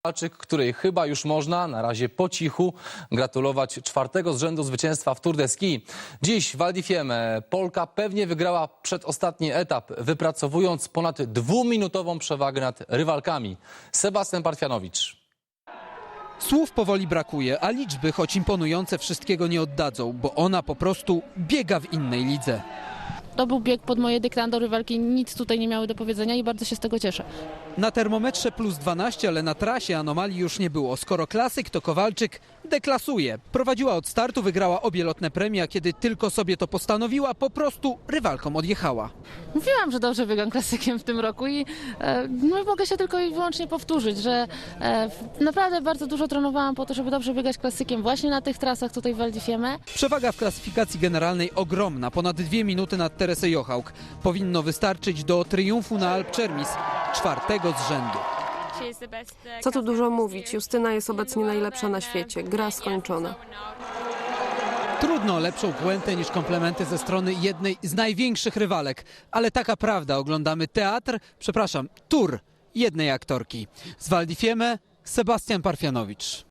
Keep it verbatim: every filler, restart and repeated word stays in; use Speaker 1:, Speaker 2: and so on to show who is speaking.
Speaker 1: Kowalczyk, której chyba już można, na razie po cichu, gratulować czwartego z rzędu zwycięstwa w Tour de Ski. Dziś w Val di Fiemme Polka pewnie wygrała przedostatni etap, wypracowując ponad dwuminutową przewagę nad rywalkami. Sebastian Parfianowicz.
Speaker 2: Słów powoli brakuje, a liczby, choć imponujące, wszystkiego nie oddadzą, bo ona po prostu biega w innej lidze.
Speaker 3: To był bieg pod moje dyktando, rywalki nic tutaj nie miały do powiedzenia i bardzo się z tego cieszę.
Speaker 2: Na termometrze plus dwanaście, ale na trasie anomalii już nie było. Skoro klasyk, to Kowalczyk deklasuje. Prowadziła od startu, wygrała obie lotne premie, a kiedy tylko sobie to postanowiła, po prostu rywalkom odjechała.
Speaker 3: Mówiłam, że dobrze biegam klasykiem w tym roku i e, no, mogę się tylko i wyłącznie powtórzyć, że e, naprawdę bardzo dużo trenowałam po to, żeby dobrze biegać klasykiem właśnie na tych trasach tutaj w Val di Fiemme.
Speaker 2: Przewaga w klasyfikacji generalnej ogromna, ponad dwie minuty nad Teresę Jochałk. Powinno wystarczyć do triumfu na Alp Czermis, czwartego z rzędu.
Speaker 4: Co tu dużo mówić, Justyna jest obecnie najlepsza na świecie, gra skończona.
Speaker 2: Trudno o lepszą puentę niż komplementy ze strony jednej z największych rywalek, ale taka prawda, oglądamy teatr, przepraszam, tour jednej aktorki. Z Val di Fiemme Sebastian Parfianowicz.